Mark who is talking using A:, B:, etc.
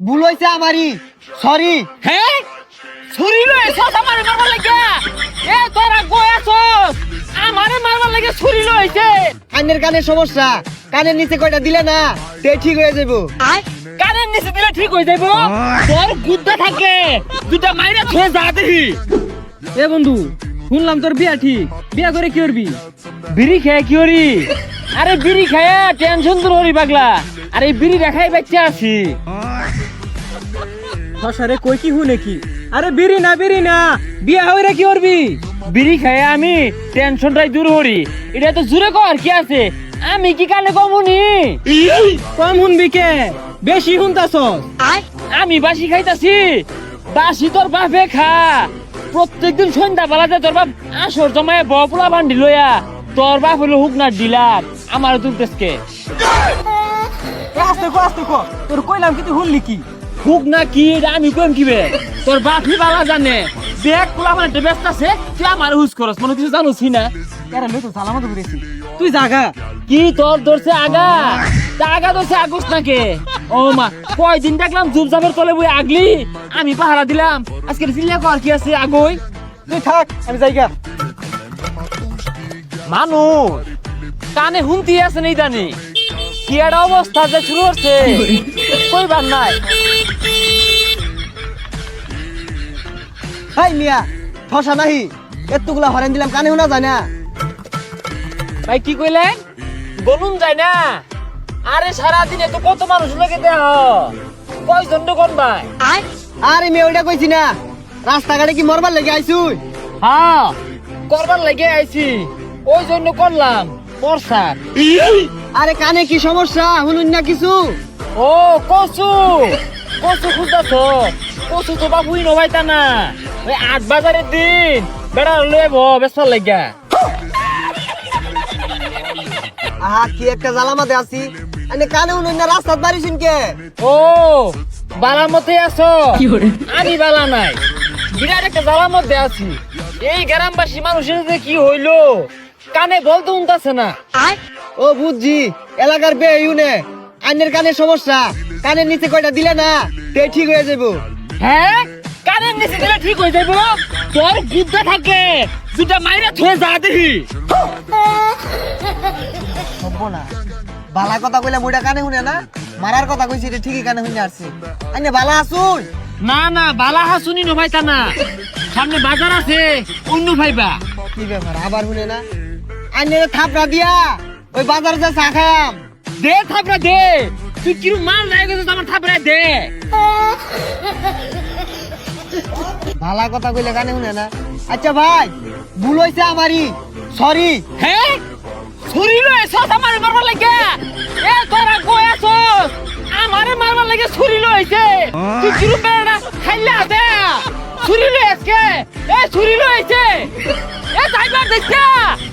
A: ভুল হইছে আমারই, সরি।
B: হ্যাঁ ছুরি লয়ে এসছ আমারে মারবার লাগে। এ তোরা কইছস আমারে মারবার লাগে ছুরি লইছে।
A: কানের কানের সমস্যা, কানের নিচে কয়টা দিলে না তে ঠিক হয়ে যাবো।
B: কানের নিচে দিলে ঠিক হয়ে যাইব। তোর গুদ্দা থাকে দুটা মাইরা ছুঁয়ে যা দেখি।
C: এ বন্ধু, শুনলাম তোর বিয়া ঠিক, বিয়া করে কি করবি?
B: বিড়ি খেয়ে কি করি? আরে বিড়ি খায়া টেনশন দূর করি পাগলা। আরে বিড়ি দেখাই বাচ্চা আছি।
C: হসারে কই কি হু নাকি? আরে বিড়ি না, বিয়া হইরা কি করবি?
B: বিড়ি খায়া আমি টেনশনটাই দূর করি। এটা তো জুড়ে কর কি আছে, আমি কি কানে কমুনি?
C: কম শুনবি কে, বেশি শুনতাছস।
B: আমি বাসি খাইতাছি, বাসি তোর বাপে খা। প্রত্যেকদিন সন্ধ্যা বেলাতে তোর বাপ আসর জমায় বপুলা বান্ডি লইয়া তোর বাপ হলো হুকনার ডিলার আমার দুলতেসকে।
C: আস্তে কো, তোর কইলাম কি তুই শুনলি কি?
B: হুক না কি এটা আমি কইম কিবে? তোর বাপই বালা জানে। দেখ পোলা মানে ব্যস্ত আছে, তুই আমার হুস করস মনে কিছু জানোসি না?
C: এরা লই তো সালামত করেছি, তুই জাগা।
B: কি তোর ধরছে আগা? তা আগা ধরছে আগস নাকে? ও মা, কয়দিন দেখলাম জুবজাবের তলে বই আগলি, আমি পাহারা দিলাম। আজকে চিল্লা কর কি আছে আগই?
C: তুই থাক, আমি যাইগা।
B: মানুষ কানে হুমতি আছে নেই জানি কি একটা অবস্থা যে শুরু হচ্ছে কইবার নাই।
A: হাই মিয়া, ঠসা নাহি, এতগুলা হরেন দিলাম কানে শোনা যায় না।
B: ভাই কি কইলেন? বলুন যায় না? আরে সারাদিনে তো কত মানুষ লাগে দেহ, কয়জন কোন ভাই?
A: আরে মেয়ে ওইটা কইছি না, রাস্তাঘাটে কি মরবার লেগে আইছুই?
B: হ্যাঁ করবার লাগে আইছি, ওই জন্য করলাম বর্ষার।
A: আরে কানে কি সমস্যা শুনুন না কিছু?
B: ও কচু কচু খুঁজতেছ? কচু তো বাবুই নবাইতা না, ওই ৮ বাজারের দিন বেড়া লইব বেসার লাগা।
A: আহা কি একটা জ্বালামাতে আছি, আনে কানে শুনুন না, রাস্তাত বাড়িছুন কে?
B: ও বালার মধ্যে আছো? আমি বালা নাই, বিরাট একটা জ্বালার মধ্যে আছি। এই গ্রামবাসী মানুষের যে কি হইলো, কানে বলতে উনতাছে না।
A: ও বুঝছি, এলাকার বে ইউনে আইনের কানের সমস্যা, কানের নিচে কয়টা দিলে না তে ঠিক হয়ে যাবো।
B: হ্যাঁ কানের নিচে দিলে ঠিক হয়ে যাইব। তোর গুদ্দা থাকে দুটা মাইরা ছুঁয়ে যা দেখি।
A: হবো না, বালা কথা কইলে মুইটা কানে শুনে না, মারার কথা কইছি এটা ঠিকই কানে শুনে আসছে। আইনে বালা আসুন।
B: না না বালা হাসুনি নভাইতা না, সামনে বাজার আছে অন্য ভাইবা।
A: কি ব্যাপার আবার শুনে না? আইনে থাপড়া দিয়া ওই বাজারে যা চা খায়াম।
B: দে থাপড়া দে, তুই কিরু মাল নাই গেছিস আমার থাপড়া দে।
A: ভালা কথা কইলে কানে শুনে না। আচ্ছা ভাই, ভুল হইছে আমারই, সরি।
B: হ্যাঁ ছুরি লয়ে এসছ আমারে মারবার লাগে। এ তোরা কইছস আমারে মারবার লাগে ছুরি লইছে। তুই কিরু বেড়া খাইলা দে ছুরি লয়ে আজকে। এ ছুরি লইছে, এ যাইবার দেখছা